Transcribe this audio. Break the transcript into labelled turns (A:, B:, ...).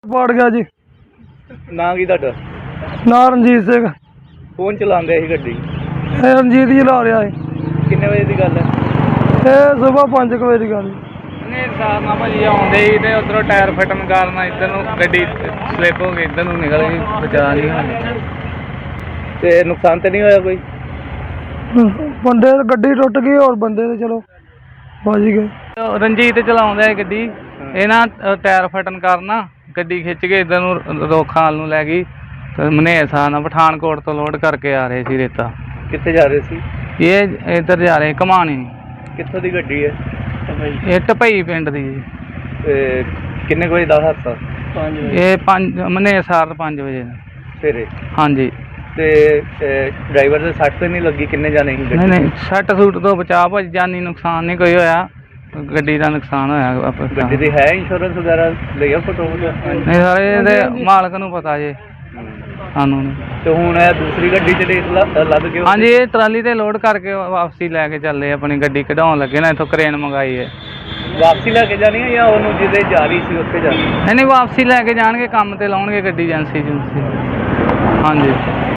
A: ਪਾੜ ਗਿਆ ਜੀ।
B: ਨਾਂ ਕੀ ਤੁਹਾਡਾ?
A: ਨਾਂ ਰਣਜੀਤ ਸਿੰਘ।
B: ਕੌਣ ਚਲਾਉਂਦਾ ਸੀ ਗੱਡੀ?
A: ਇਹ ਰਣਜੀਤ ਜੀ ਲਾ ਰਿਹਾ ਹੈ।
B: ਕਿੰਨੇ ਵਜੇ ਦੀ ਗੱਲ ਹੈ?
A: ਇਹ ਸੁਬਾਹ 5 ਵਜੇ ਦੀ ਗੱਲ।
C: ਹਨੇਰ ਸਾਹਿਬ ਨਾਲ ਭਾਜੀ ਆਉਂਦੇ ਸੀ ਤੇ ਉਧਰੋਂ ਟਾਇਰ ਫਟਣ ਕਾਰਨ ਇੱਧਰ ਨੂੰ ਗੱਡੀ ਸਲਿੱਪ ਹੋ ਗਈ, ਇੱਧਰ ਨੂੰ ਨਿਕਲ ਗਈ, ਬਚਾ ਨਹੀਂ ਹੋਇਆ।
B: ਤੇ ਨੁਕਸਾਨ ਤਾਂ ਨਹੀਂ ਹੋਇਆ ਕੋਈ?
A: ਬੰਦੇ ਗੱਡੀ ਟੁੱਟ ਗਈ, ਹੋਰ ਬੰਦੇ ਤੇ ਚਲੋ ਬਚ ਗਏ।
C: ਰਣਜੀਤ ਚਲਾਉਂਦਾ ਹੈ ਗੱਡੀ, ਇਹ ਨਾ ਟਾਇਰ ਫਟਣ ਕਾਰਨ ਨਾ ਗੱਡੀ ਖਿੱਚ ਕੇ ਇੱਧਰ ਨੂੰ ਰੋਖਾਲ ਨੂੰ ਲੈ ਗਈ ਤੇ ਹਨੇਰ ਸਾਹਿਬ ਨਾਲ ਪਠਾਨਕੋਟ ਤੋਂ ਲੋਡ ਕਰਕੇ ਆ ਰਹੇ ਸੀ ਰੇਤਾ।
B: ਕਿੱਥੇ ਜਾ ਰਹੇ ਸੀ?
C: ਇਹ ਇੱਧਰ ਜਾ ਰਹੇ ਘਮਾਣੀ।
B: ਕਿੱਥੋਂ ਦੀ ਗੱਡੀ ਹੈ?
C: ਇਹ ਢਪਈ ਪਿੰਡ ਦੀ ਜੀ।
B: ਤੇ ਕਿੰਨੇ ਕੁ ਵਜੇ ਦਾ ਹਾਦਸਾ?
C: ਇਹ 5 ਹਨੇਰ ਸਾਹਿਬ 5 ਵਜੇ
B: ਸਵੇਰੇ।
C: ਹਾਂਜੀ।
B: ਤੇ ਡਰਾਈਵਰ ਦੇ ਸੱਟ ਤੇ ਨਹੀਂ ਲੱਗੀ? ਕਿੰਨੇ ਜਾਣੇ ਸੀ
C: ਨਹੀਂ ਨਹੀਂ, ਸੱਟ ਸੂਟ ਤੋਂ ਬਚਾ ਭਾਜੀ, ਜਾਨੀ ਨੁਕਸਾਨ ਨਹੀਂ ਕੋਈ ਹੋਇਆ, ਗੱਡੀ ਦਾ ਨੁਕਸਾਨ ਹੋਇਆ।
B: ਗੱਡੀ ਦੀ ਹੈ ਇੰਸ਼ੋਰੈਂਸ ਵਗੈਰਾ ਲਿਆ ਫੋਟੋ?
C: ਨਹੀਂ ਸਾਰੇ ਇਹਦੇ ਮਾਲਕ ਨੂੰ ਪਤਾ ਜੇ, ਸਾਨੂੰ ਨਹੀਂ।
B: ਤੇ ਹੁਣ ਇਹ ਦੂਸਰੀ ਗੱਡੀ ਚ ਰੇਸ ਲੱਦ ਕੇ?
C: ਹਾਂਜੀ, ਇਹ ਟਰਾਲੀ ਤੇ ਲੋਡ ਕਰਕੇ ਵਾਪਸੀ ਲੈ ਕੇ ਚੱਲੇ, ਆਪਣੀ ਗੱਡੀ ਕਢਾਉਣ ਲੱਗੇ ਨਾ, ਇੱਥੋਂ ਕਰੇਨ ਮੰਗਾਈ ਹੈ।
B: ਵਾਪਸੀ ਲੈ ਕੇ ਜਾਣੀ ਹੈ ਜਾਂ ਉਹਨੂੰ ਜਿਹਦੇ ਜਾ ਰਹੀ ਸੀ ਉੱਥੇ ਜਾਣੀ?
C: ਨਹੀਂ ਨਹੀਂ, ਵਾਪਸੀ ਲੈ ਕੇ ਜਾਣਗੇ, ਕੰਮ ਤੇ ਲਾਉਣਗੇ ਗੱਡੀ ਏਜੰਸੀ। ਹਾਂਜੀ।